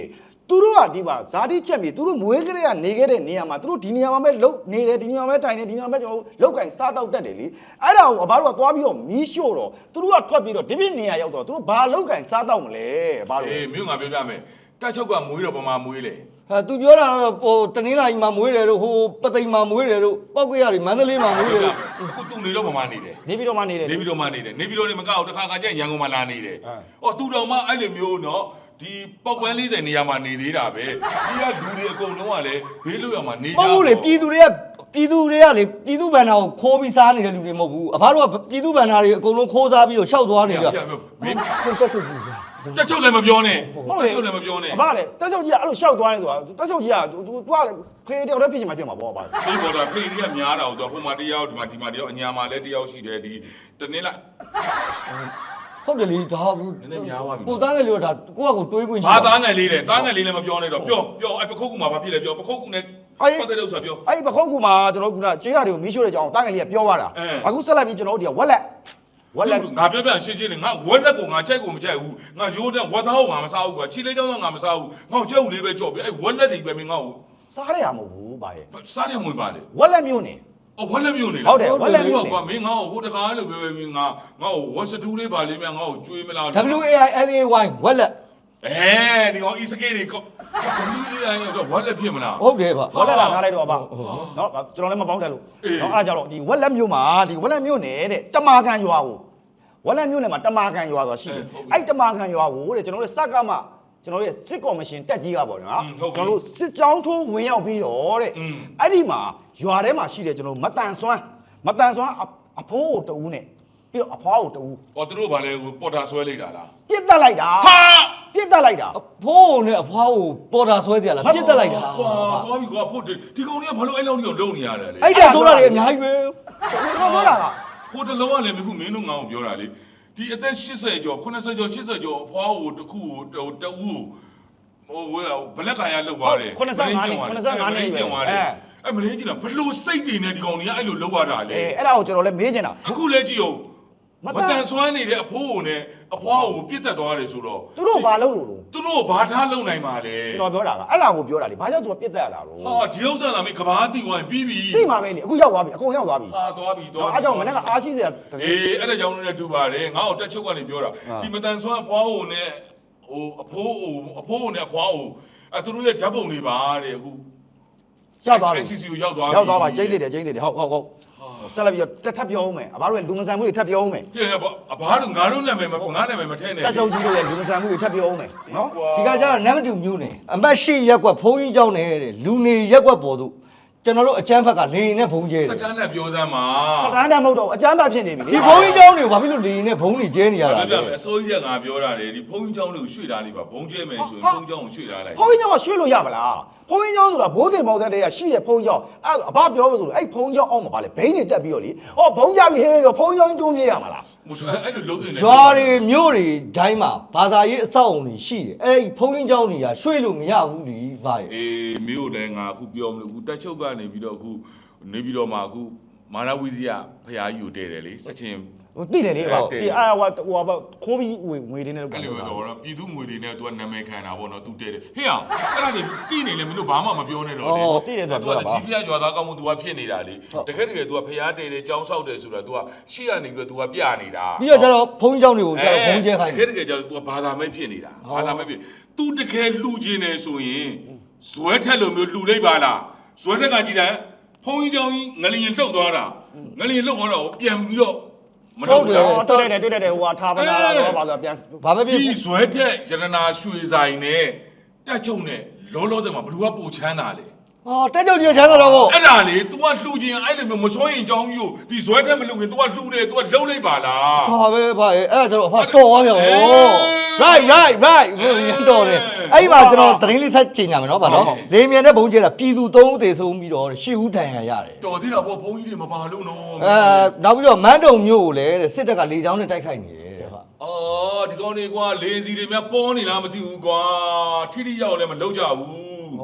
သူတို့ကဒီပါဇာတိချက်မြေသူတို့မွေးကလေးကနေခဲ့တဲ့နေရာမှာသူတို့ဒီနေရာမှာပဲလုံနေတယ်ဒီနေရာမှာပဲတိုင်တယ်ဒီနေရာမှာပဲကျွန်တော်လောက်ကင်စားတော့တက်တယ်လေအဲ့ဒါကိုအဘတို့ကသွားပြီးတော့မီးရှို့တော့သူတို့ကထွက်ပြီးတော့ဒီပြည့်နေရာရောက်တော့သူတို့ဘာလောက်ကင်စားတော့မလဲအဘတို့
အေးမြို့ငါပြောပြမယ်တက်ချုပ်ကမွေးတော့ပမာမွေးလေ
ဟာသူပြောတာတော့ဟိုတနင်္လာရီမှာမွေးတယ်တို့ဟိုပသိမ်မှာမွေးတယ်တို့ပောက်ကွေးရီမန္တလေးမှာမွေးတယ်တို့
အခုသူနေတော့ပမာနေတယ်
နေပြီးတော့မှနေတယ်
နေပြီးတော့မှနေတယ်နေပြီးတော့နေမကောက်တခါခါကျရန်ကုန်မှာလာနေတယ်အော်သူတော်မှအဲ့လိုမျိုးနော်ဒီပောက်ကွန်းလေးတဲ့နေရာမှာနေသေးတာပဲဒီကလူတွေအကုန်လုံးကလည်းဘေးလွတ်ရမှာနေကြ
မဟုတ်ဘူးလေပြည်သူတွေကပြည်သူတွေကလေပြည်သူဗန္နာကိုခိုးပြီးစားနေတဲ့လူတွေမဟုတ်ဘူးအဖားတို့ကပြည်သူဗန္နာတွေအကုန်လုံးခိုးစားပြီးတော့ရှောက်သွားနေကြ
မင်း
ကိုတက်ချုပ်ကြီး
တက်ချုပ်လည်းမပြောနဲ့
ဟုတ်
တ
လေ
က်ချုပ်လည်းမပြောနဲ့
အဘလေတက်ချုပ်ကြီးကအဲ့လိုရှောက်သွားနေဆိုတာတက်ချုပ်ကြီးကသူသူကဖေးတယောက်တည်းဖြစ်ချင်မှဖြစ်မှာပေါ့အဘ
ဒီပေါ်တာဖေးကြီးကများတာဆိုတော့ဟိုမှာတယောက်ဒီမှာဒီမှာတယောက်အညာမှာလည်းတယောက်ရှိတယ်ဒီတနေ့လား
ဟုတ်တယ်လေဒါဘူး
နည်းနည်းများသွားပြီ
ကိုသားငယ်လေးတော့ဒါကိုကကိုတွေးခွင့်ရှိ
ဘာသားငယ်လေးလဲသားငယ်လေးလည်းမပြောနဲ့တော့ပြောပြောအဲ့ပခုတ်ကူမှာဘာဖြစ်လဲပြောပခုတ်ကူနဲ့ပတ်သက်လို့ဆိုပြော
အဲ့ဒီပခုံးကူမှာကျွန်တော်ကကြေးရတွေကိုမီးရှို့တဲ့ကြောင်တားငယ်လေးကပြောသွားတာအခုဆက်လိုက်ပြီးကျွန်တော်တို့ဒီကဝက်လက်ဝက်လက်
ငါပြောပြရှင်းရှင်းလေးငါဝက်လက်ကိုငါကြိုက်ကိုမကြိုက်ဘူးငါရိုးတဲ့ဝက်သားကိုငါမစားဘူးကွာခြေလေးချောင်းတော့ငါမစားဘူးငါ့ကိုကြက်ဦးလေးပဲကြော့ပြီးအဲ့ဝက်လက်တွေပဲမင်းငါ့ကို
စားရရမဟုတ်ဘူးဗျာရဲ့
စားတယ်မွေးပါလေ
ဝက်လက်မျိုးနေ
အော်ဝက်လက်မျိုးနေ
ဟုတ်တယ်ဝက်လက်မျိုးနေ
ကွာမင်းငါ့ကိုဟိုတကားလို့ပြောပြီးငါငါ့ကိုဝက်စတူးလေးပါလေးမြန်ငါ့ကိုကျွေးမလား
W A I L A Y ဝက်လက်
အဲဒီကောင် e စကေးတွေကောဒီလိုလေးတော့ဝက်လက်ဖြစ်မလား
ဟုတ်တယ်ဗျ
ဝက်လက်လာထားလိုက်တော့ဗျာနော်ကျွန်တော်လည်းမပေါင်းတယ်လို့နော်အားကြတော့ဒီဝက်လက်မျိုးမှာဒီဝက်လက်မျိုးနေတဲ့တမာခံရွာကိုဝက်လက်မျိုးနဲ့မှာတမာခံရွာဆိုတာရှိတယ်အဲ့တမာခံရွာကိုတဲ့ကျွန်တော်တို့စက်ကမှကျွန်တော်တို့ရဲ့စစ်ကော်မရှင်တက်ကြီးကပေါ့နော်ကျွန်တော်တို့စစ်ကြောင်းထိုးဝင်ရောက်ပြီးတော့တဲ့အဲ့ဒီမှာရွာထဲမှာရှိတယ်ကျွန်တော်မတန်ဆွမ်းမတန်ဆွမ်းအဖိုးကိုတူးနဲ့ပြီးတော့အဖွားကိုတူး
အော်သူတို့ဗာလဲပေါ်တာဆွဲလိုက်တာလား
ပြစ်တက်လိုက်တာ
ဟာ
ပြစ်တက်လိုက်တာ
အဖိုးနဲ့အဖွားကိုပေါ်တာဆွဲကြလားပြစ်တက်လိုက်တာ
ကွာသွားပြီကွာဖို့ဒီကောင်တွေကဘာလို့အဲ့လောက်ကြီးလုံနေရတယ်လေ
အဲ့ဒါဆိုတာတွေအများကြီးပဲ
ကျွန်တော်ပြောတာက
ဟိုတလုံးကလည်းမခုမင်းတို့ငါ့ကိုပြောတာလေဒီအသက်၈၀ကျော်၉၀ကျော်၈၀ကျော်အဖွားကိုတစ်ခုကိုတအူးဟိုဝဲဘလက်ကန်ရလောက်ပါတယ်
85နှစ်85နှစ်ပဲအဲ
အဲ့မလေးကြီးလားဘလို့စိတ်တွေနဲ့ဒီကောင်တွေကအဲ့လိုလောက်ရတာလေ
အဲအဲ့ဒါကိုကျွန်တော်လည်းမေးချင်တာ
အခုလဲကြည့်အောင်မတန်ဆွမ်းနေတဲ့အဖိုးကိုနဲ့အဖွားကိုပြစ်တက်သွားတယ်ဆိုတော့
သူတို့ဘာလုပ်လို့လို့
သူတို့ဘာထားလုံနိုင်ပါလဲ
ကျွန်တော်ပြောတာကအဲ့ဒါကိုပြောတာလေဘာကြောင့်သူကပြစ်တက်ရတာလို့
ဟာဒီဥစ္စာလာမေးကဘာတီဝိုင်းပြီးပြီ
သိမှာပဲလေအခုရောက်သွားပြီအကုန်ရောက်သွားပြီ
ဟာသွားပြီသွား
တော့အဲ့ကြောင့်မနေ့ကအားရှိစရာ
အေးအဲ့ဒါကြောင့်လည်းတူပါတယ်ငါ့ကိုတက်ချုပ်ကနေပြောတာဒီမတန်ဆွမ်းအဖွားကိုနဲ့ဟိုအဖိုးဟိုအဖိုးကိုနဲ့အဖွားကိုအဲသူတို့ရဲ့ဓာတ်ပုံတွေပါတဲ့အခု
ရောက်သွားပြီ
စီစီကိုရောက်သွားပြီ
ရောက်သွားပါကျိန်းနေတယ်ကျိန်းနေတယ်ဟုတ်ဟုတ်ဟုတ်ဆက်လက်ပြီးတော့ထပ်ပြောအောင်မယ်အဘတို့ရဲ့လူမဆန်မှုတွေထပ်ပြောအောင်မယ်
ပြည့်အဘာလို့ငါတို့နာမည်မငါနာမည်မထဲနဲ့
တက်ချုပ်ကြီးတို့ရဲ့လူမဆန်မှုတွေထပ်ပြောအောင်မယ်နော်
ဒီကကြတော့နံပါတ်twoမျိုးနေအမတ်ရှိရက်ကွက်ဘုံကြီးเจ้าနေတဲ့လူနေရက်ကွက်ပေါ်သူကျွန်တော်တို့အချမ်းဘက်ကလေရင်နဲ့ဘုံကျဲတယ်
စတန်နဲ့ပြောစမ်းပါ
စတန်ဒတ်မဟုတ်တော့အကျမ်းပါဖြစ်နေပြီ
ဒီဘုံကြီးเจ้าတွေကိုဘာဖြစ်လို့လေရင်နဲ့ဘုံတွေကျဲနေရတာ
ပြ
လဲ
ပြမယ်အစိုးရကငါပြောတာလေဒီဖုန်းကြီးเจ้าတွေကိုရွှေ့ထားလိုက်ပါဘုံကျဲမယ်ဆိုရင်ဖုန်းเจ้าကိုရွှေ့ထားလိုက်
ဖုန်းကြီးကျောင်းကရွှေ့လို့ရမလားဖုန်းကြီးကျောင်းဆိုတာဘိုးတင်ပေါက်တဲ့တည်းကရှိတဲ့ဖုန်းကြီးကျောင်းအဲ့အဘပြောလို့ဆိုလို့အဲ့ဖုန်းကြီးကျောင်းအောင်မှာပါလေဘိန်းတွေတက်ပြီးတော့လေဟောဘုံကြပြီဟဲ့ဆိုဖုန်းကြီးကျောင်းတွန်းပြေးရမှာလား
အဲ့လိုလုံးနေ
ရွာတွေမြို့တွေဒိုင်းမှာဘာသာရေးအဆောက်အုံတွေရှိတယ်အဲ့ဒီဘုံကြီးเจ้าတွေကရွှေ့လို့မရဘူးလीဗါရဲ့
အေးမြို့လည်းငါအခုပြောမလို့အခုတက်ချုပ်ကနေပြီးတော့အခုနေပြီးတော့မှအခုမာနဝီဇီယဖရာကြီးကိုတည်တယ်လေစက်ချင်း
ဟိုတိတယ်လေဟိုတိအာဟိုဟိုခိုးပြီးဝေငွေတွေနဲ့တော့
အဲ့လိုတော့ပြည်သူငွေတွေနဲ့ तू ကနာမည်ခံတာပေါ့နော် तू တဲတယ်ဟေ့အောင်အဲ့ဒါတွေပြီးနေလေမင်းတို့ဘာမှမပြောနဲ့တော့လေ
တိတယ်ဆို
तू
တော့
ကကြီးပြရွာသားကောင်းမှု तू ကဖြစ်နေတာလေတကယ်တကယ် तू ကဖျားတဲတယ်ကြောင်းဆောက်တယ်ဆိုတာ तू ကရှေ့ကနေပြီးတော့ तू ကပြနေတာ
ပြီးတော့ကျတော့ဘုံကြီးเจ้าတွေကိုကျတော့ဘုံကျဲခိုင်း
တ
တ
ကယ်
ယ်
တကယ်ကျတော့ तू ကဘာသာမဲ့ဖြစ်နေတာဘာသာမဲ့ဖြစ် तू တကယ်လှူခြင်းနေဆိုရင်ဇွဲထက်လိုမျိုးလှူလိုက်ပါလားဇွဲထက်ကကြည့်တယ်ဖုန်းကြီးเจ้าကြီးငလျင်လှုပ်သွားတာငလျင်လှုပ်သွားတော့ပြန်ပြီးတော့မလုပ်ဘူး
တွေ့တယ်တွေ့တယ်ဟိုဟာထားပနာလာတော့ပါဆိုပြန်
ဘာပဲဖြစ်
ဒီဇွဲထက်ရတနာရွှေဆိုင်နဲ့တက်ချုံနဲ့လောလောဆယ်မှာဘယ်သူကပိုချမ်းသာလဲ
ဟောတက်ကြောင်ကြီးချမ်းသာတော့ဗော
အဲ့ဒါလေ तू ကလှူခြင်းအဲ့လိုမျိုးမစွန့်ရင်အကြောင်းကြီးကိုဒီဇွဲထက်မလှူခင် तू ကလှူတယ် तू ကလှုပ်လိုက်ပါလား
ဒါပဲဗါရဲ့အဲ့ဒါကျတော့အဖတော်သွားပြန်ဗော right right right ဘုံတော်တယ်အဲ့ဒီမှာကျွန်တော်သတင်းလေးဆက်ချိန်ကြမယ်နော်ဗါနော်လေမြန်တဲ့ဘုံကျဲတာပြည်သူသုံးဦးသေဆုံးပြီးတော့ရှစ်ဦးထန်ရရတယ်
တော်သေးတာပေါ့ဘုန်းကြီးတွေမပါလို့နော်
အဲနောက်ပြီးတော့မန်းတုံမြို့ကိုလည်းစစ်တပ်ကလေကြောင်းနဲ့တိုက်ခိုက်နေတယ်ဗါ
အော်ဒီကောင်တွေကွာလေစီတွေများပေါ်နေလားမသိဘူးကွာထိထိရောက်လည်းမလုပ်ကြဘူး
ဩ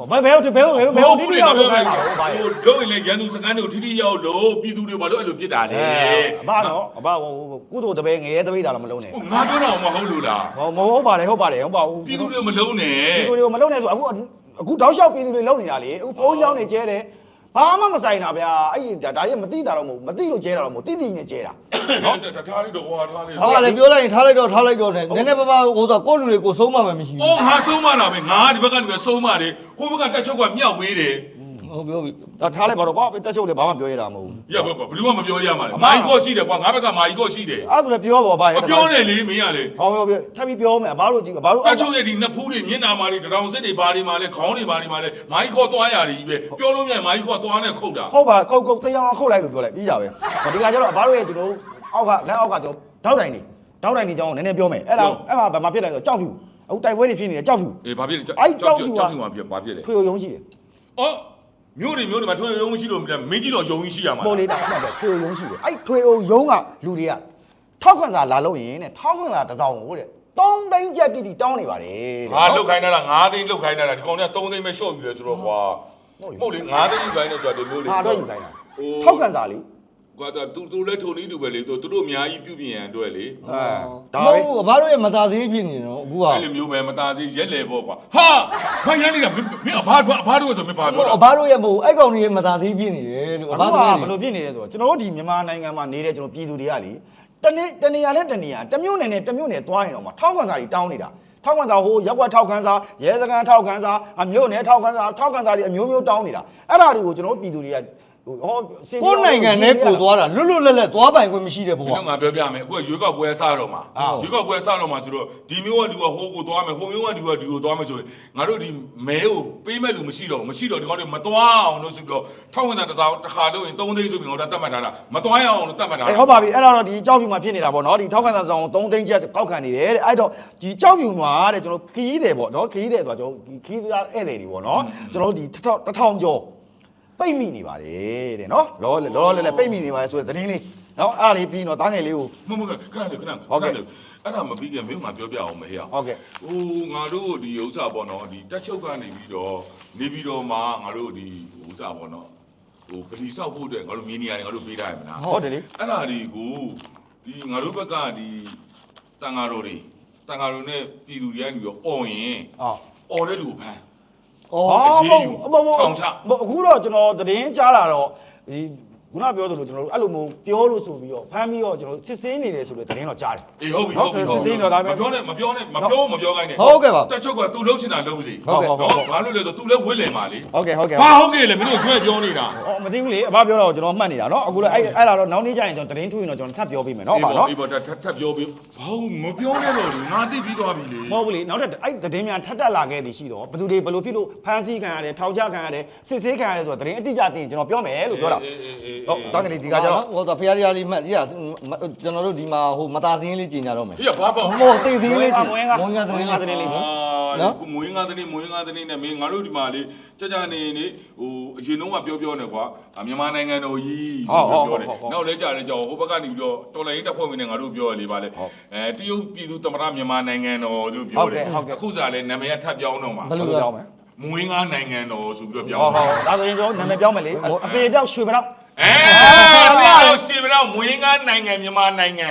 ဘယ်ဘယ်ဘယ်ဘယ်ဘယ်ဘယ်ဒီရောက်လို့ခိုင်းတာဘာ
ဟိုတို့ရင်လည်းရန်သူစကန်တို့ထိထိရောက်လို့ပြည်သူတွေဘာလို့အဲ့လိုပြစ်တာလဲ
အဘနော်အဘဟိုကုသိုလ်တပည့်ငရဲတပိတ်တာတော့မလုံးနဲ့
ဟိုငါပြောတာမဟုတ်လို့လား
ဟောမဟုတ်ပါတယ်ဟုတ်ပါတယ်ဟုတ်ပါဘူး
ပြည်သူတွေမလုံးနဲ့
ပြည်သူတွေမလုံးနဲ့ဆိုအခုအခုတောက်လျှောက်ပြည်သူတွေလုံးနေတာလေအခုဘုံเจ้าနေကျဲတယ်ဘာမှမဆိုင်တာဗျာအဲ့ဒါဒါကြီးမသိတာတော့မဟုတ်မသိလို့ကျဲတာတော့မဟုတ်တိတိနဲ့ကျဲတာ
နော်ထားလိုက်တော့ဟောထားလိုက်
ဟာလည်းပြောလိုက်ရင်ထားလိုက်တော့ထားလိုက်တော့နဲ့နည်းနည်းပါးပါးဟိုဆိုကိုယ့်လူတွေကိုဆုံးမမယ်မရှိ
အော်ငါဆုံးမတာပဲငါဒီဘက်ကနေပဲဆုံးမတယ်ဟိုဘက်ကတက်ချုပ်ကမြောက်ပေးတယ်
ဘူးဟုတ်ပြောပြီ
ဒါထားလိုက်ပါတော့ကွာတက်ချုပ်လည်းဘာမှပြောရတာမဟုတ်ဘူး
ရပါဘလူကမပြောရမှာလေမာကြီးကော့ရှိတယ်ကွာငါဘက်ကမာကြီးကော့ရှိတယ်
အဲ့ဒါဆိုလည်းပြောပါဘာ
မပြောနဲ့လေမင်းကလေ
ဟောပြောပြောထပ်ပြီးပြောမယ်ဘာလို့ကြည့်ဘာလို့
တက်ချုပ်ရဲ့ဒီနှစ်ဖူးတွေမျက်နာမာတွေတရောင်စစ်တွေဘာတွေမှာလဲခေါင်းတွေဘာတွေမှာလဲမာကြီးကော့သွားရတယ်ကြီးပဲပြောလို့မြန်မာကြီးကော့သွားနဲ့ခုတ်တာ
ဟုတ်ပါခုတ်ခုတ်တရားခုတ်လိုက်လို့ပြောလိုက်ပြီးတာပဲဒီကကျတော့ဘာလို့ရဲ့ကျွန်တော်အောက်ကလက်အောက်ကကျွန်တော်တောက်တိုင်နေတောက်တိုင်နေကြောင်းနည်းနည်းပြောမယ်အဲ့ဒါအဲ့မှာဘာမှဖြစ်တယ်ဆိုကြောက်ဖြူအခုတိုက်ပွဲတွေဖြစ်နေတယ်ကြောက်ဖြူ
အေးဘာဖြစ်လဲ
အဲ့ကြောက်ဖြူက
ကြောက်ဖြူမှာပြဘာဖြစ်လဲ
ထွေရုံရှိတယ်
အော်မျိုးတွေမျိုးတွေမှာထွေရုံမရှိလို့မင်းကြီးတော့ယုံကြီးရှိရမှာ
ပေါ်လေးတာအဲ့ဒါထွေရုံရှိတယ်အဲ့ထွေရုံရုံကလူတွေကထောက်ခံစာလာလို့ရင်တဲ့ထောက်ခံစာတစ်စောင်ကိုတဲ့သုံးသိန်းကျပ်တိတိတောင်းနေပါတယ်တဲ့
ငါလုတ်ခိုင်းတာလားငါးသိန်းလုတ်ခိုင်းတာလားဒီကောင်ကသုံးသိန်းပဲရှော့ယူတယ်ဆိုတော့ကွာမဟုတ်လေငါးသိန်းယူခိုင်းတယ်ဆိုတာဒီမျိုးလေ
ဟာတော့ယူခိုင်းတာထောက်ခံစာလေး
ကွာတူတူလဲထုံနေတူပဲလေသူတို့အများကြီးပြုပြင်ရန်အတွက်လေ
အဲ
ဒါမဟုတ်ဘူးဘာလို့ရမသားသေးဖြစ်နေတော့အခုက
အဲ့လိုမျိုးပဲမသားသေးရက်လေပေါ့ကွာဟာဘာရမ်းနေတာမင်းအဖားအဖားတို့ဆိုမင်းဘာပြောတာ
ဘာလို့ရမဟုတ်အဲ့ကောင်ကြီးမသားသေးဖြစ်နေတယ်လို့
ဘာ
ဘာ
လို့
လို့
ဘယ်လိုဖြစ်နေလဲဆိုတော့ကျွန်တော်တို့ဒီမြန်မာနိုင်ငံမှာနေတဲ့ကျွန်တော်ပြည်သူတွေကလေတနေ့တနေရာနဲ့တနေရာတမျိုးနယ်နဲ့တမျိုးနယ်သွားရင်တော့မှထောက်ခံစာတွေတောင်းနေတာထောက်ခံစာဟိုရက်ွက်ထောက်ခံစာရဲစခန်းထောက်ခံစာအမျိုးနယ်ထောက်ခံစာထောက်ခံစာတွေအမျိုးမျိုးတောင်းနေတာအဲ့ဒါတွေကိုကျွန်တော်ပြည်သူတွေကဟိုဟော
ကိုနိုင်ငံနဲ့ကိုသွားတာလွတ်လွတ်လပ်လပ်သွားပိုင်ခွင့်မရှိတဲ့ဘု
ဒီ
ရား
တော့ငါပြောပြမယ်အခုကရွေးကောက်ပွဲစတော့မှာရွေးကောက်ပွဲစတော့မှာဆိုတော့ဒီမျိုးကဒီကဟိုကိုသွားမယ်ဟိုမျိုးကဒီကဒီကိုသွားမယ်ဆိုရင်ငါတို့ဒီမဲကိုပေးမဲ့လူမရှိတော့ဘူးမရှိတော့ဒီကောင်တွေမသွားအောင်လို့ဆိုပြီးတော့ထောက်ဝင်တာတစ်သောတစ်ခါလို့ရင်သုံးသိန်းဆိုပြီးငါတို့တတ်မှတ်ထားတာမသွားရအောင်လို့တတ်မှတ်ထားတာ
အေးဟုတ်ပါပြီအဲ့ဒါတော့ဒီကြောက်ဖြူမှာဖြစ်နေတာပေါ့နော်ဒီထောက်ခံစာဆောင်သုံးသိန်းကျပ်ကောက်ခံနေတယ်တဲ့အဲ့တော့ဒီကြောက်ဖြူမှာတဲ့ကျွန်တော်ခီးတယ်ပေါ့နော်ခီးတယ်ဆိုတော့ကျွန်တော်ဒီခီးသားဧည့်သည်တွေပေါ့နော်ကျွန်တော်တို့ဒီတစ်ထောင်ကျော်ပိတ်မိနေပါတယ်တဲ့နော်လောလောလဲလဲပိတ်မိနေပါတယ်ဆိုတဲ့သတင်းလေးနော်အဲ့ဒါလေးပြီးတော့တားငယ်လေးကို
မမခဏခဏခဏအဲ့ဒါမပြီးခင်မင်းငါပြောပြအောင်မဟဲ့
ဟုတ်ကဲ့
ဟိုငါတို့ဒီဥစ္စာပေါ့နော်ဒီတက်ချုပ်ကနေပြီးတော့နေပြီးတော့မှငါတို့ဒီဥစ္စာပေါ့နော်ဟိုပလီဆောက်ဖို့အတွက်ငါတို့မြေနေရာတွေငါတို့ပေးထားရမလား
ဟုတ်တယ်လေ
အဲ့ဒါတွေကိုဒီငါတို့ဘက်ကဒီတန်ဃာတော်တွေတန်ဃာတော်နဲ့ပြည်သူတွေကနေပြီးတော့អော်ရင်
အော်
អော်တဲ့လူကိုဖမ်း
အော်
အခုတော့ကျွန်တော်သတင်းကြားလာတော့ဒီခုနပြောသလိုကျွန်တော်တို့အဲ့လိုမျိုးပြောလို့ဆိုပြီးတော့ဖမ်းပြီးတော့ကျွန်တော်စစ်စင်းနေတယ်ဆိုတဲ့သတင်းတော့ကြားတယ်
အေးဟုတ်ပြီဟုတ်ပြီဟုတ်ပြီမပြောနဲ့မပြောနဲ့မပြောမပြောခိုင်းနဲ့
ဟုတ်ကဲ့ပါ
တက်ချုပ်ကသူ့လုံးချင်တာလုံးစီ
ဟုတ်ကဲ့ဟုတ်ကဲ့
ဘာလို့လဲဆိုသူလည်းဝစ်လင်ပါလေ
ဟုတ်ကဲ့ဟုတ်ကဲ့
ဘာဟုတ်ကဲ့လေမင်းတို့ကျွဲပြောနေတာ
အော်မသိဘူးလေအဘပြောတော့ကျွန်တော်မှတ်နေတာနော်အခုလည်းအဲ့အဲ့လာတော့နောက်နေ့ကျရင်ကျွန်တော်သတင်းထုတ်ရင်တော့ကျွန်တော်ထပ်ပြောပေးမယ်နော်အဘနော်
ဒီပေါ်ထပ်ထပ်ပြောပြီးဘာလို့မပြောနဲ့တော့ငါသိပြီးသွားပြီလေ
မဟုတ်ဘူးလေနောက်ထပ်အဲ့သတင်းများထပ်တက်လာခဲ့သည်ရှိတော့ဘယ်သူတွေဘယ်လိုဖြစ်လို့ဖမ်းဆီးခံရတယ်ထောင်ချခံရတယ်စစ်ဆေးခံရတယ်ဆိုတော့သတင်းအတိအကျသိရင်ကျွန်တော်ပြောမယ်လို့ပြောတာဟုတ်တောင်းကလေးဒီကကြတော့
ဟိုတော့ဖရားတရားလေးမှတ်ရကျွန်တော်တို့ဒီမှာဟိုမသားစင်းလေးကြီးညာတော့မယ်
ဟေ့ဘာပေါ့
ဟိုသိစင်းလေးကြီး
မွေးငါ
မွေးငါသတင်းလေး
သတင်းလေး
နော်မွေးငါသတင်းမွေးငါသတင်းနဲ့မင်းငါတို့ဒီမှာလေကြကြနေနေဟိုအရင်တော့ကပြောပြောနေကွာမြန်မာနိုင်ငံတော်ကြီးဆိုပြီးပြောတယ်နောက်လဲကြာလဲကြောဟိုဘက်ကနေပြီးတော့တော်လိုင်းတက်ဖွဲ့ဝင်နေငါတို့ပြောရလေပါလေအဲတရုတ်ပြည်သူသမ္မတမြန်မာနိုင်ငံတော်တို့ပြောတယ်အခုစားလဲနာမည်ကထပ်ပြောင်းတော့မှာ
ဘယ်လိုပြောင်းမလဲ
မွေးငါနိုင်ငံတော်ဆိုပြီးတော့ပြော
ဟော
င်း
ဟောဒါဆိုရင်ကျွန်တော်နာမည်ပြောင်းမယ်လေအသေးပြောက်ရွှေမတော့
အဲအဲ့စီဗတော့မွေးငါနိုင်ငံမြန်မာနိုင်ငံ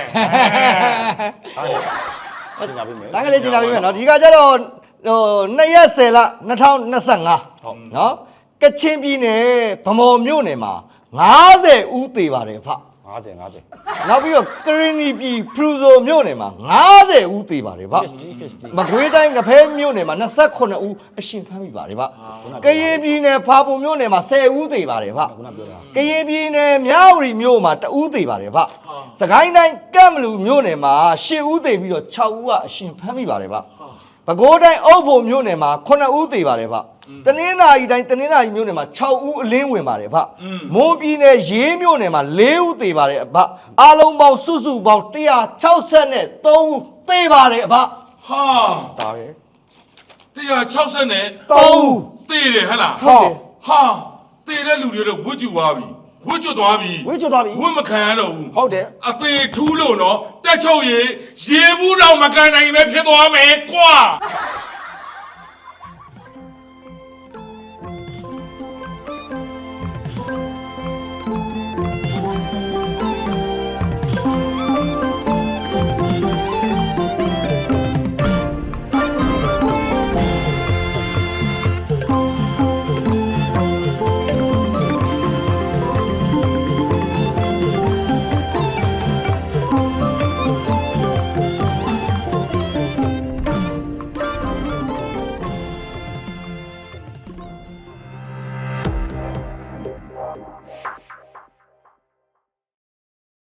ဟုတ်ကျင်ကြပြီမယ်
တန်းကလေးကျင်လာပြီမယ်နော်ဒီကကြတော့ဟိုနှစ်ရက်ဆယ်လ၂၀၂၅နော်ကချင်ပြည်နယ်ဗမော်မြို့နယ်မှာ၅၀ဦးသေပါတယ်ဖ
50 50
နောက်ပြီးတော့ကရင်နီပြည်ဖရူဇိုမြို့နယ်မှာ၅၀ဦးသေပါတယ်ဗျမကွေးတိုင်းကဖဲမြို့နယ်မှာ၂၈ဦးအရှင်ဖမ်းမိပါတယ်ဗျကရင်ပြည်နယ်ဖာပုံမြို့နယ်မှာ၁၀ဦးသေပါတယ်ဗျ
ခုနပြောတာ
ကရင်ပြည်နယ်မြဝတီမြို့မှာတဦးသေပါတယ်ဗျစကိုင်းတိုင်းကမ်ဘလူမြို့နယ်မှာ၈ဦးသေပြီးတော့၆ဦးကအရှင်ဖမ်းမိပါတယ်ဗျပဲခူးတိုင်းအုပ်ဖို့မြို့နယ်မှာ9ဦးသေပါတယ်ဗျတနင်္လာရီတိုင်းတနင်္လာရီမြို့နယ်မှာ၆ဦးအလင်းဝင်ပါတယ်ဗျမွန်ပြည်နယ်ရေးမြို့နယ်မှာ၄ဦးသေပါတယ်ဗျအားလုံးပေါင်းစုစုပေါင်း၁၆၃ဦးသေပါတယ်ဗျ
ဟာ
ဒါပဲ
တရား၆၀နဲ့
၃ဦး
သေတယ်ဟဟလား
ဟုတ်တယ်
ဟာသေတဲ့လူတွေတော့ဝတ်ကျူသွားပြီဝတ်ကျွသွားပြီ
ဝေးချသွားပြီ
ဝတ်မခံရတော့ဘူး
ဟုတ်တယ်
အသေးထူးလို့နော်တက်ချုပ်ရေရေဘူးတော့မကန်နိုင်ပဲဖြစ်သွားမယ်ကွာ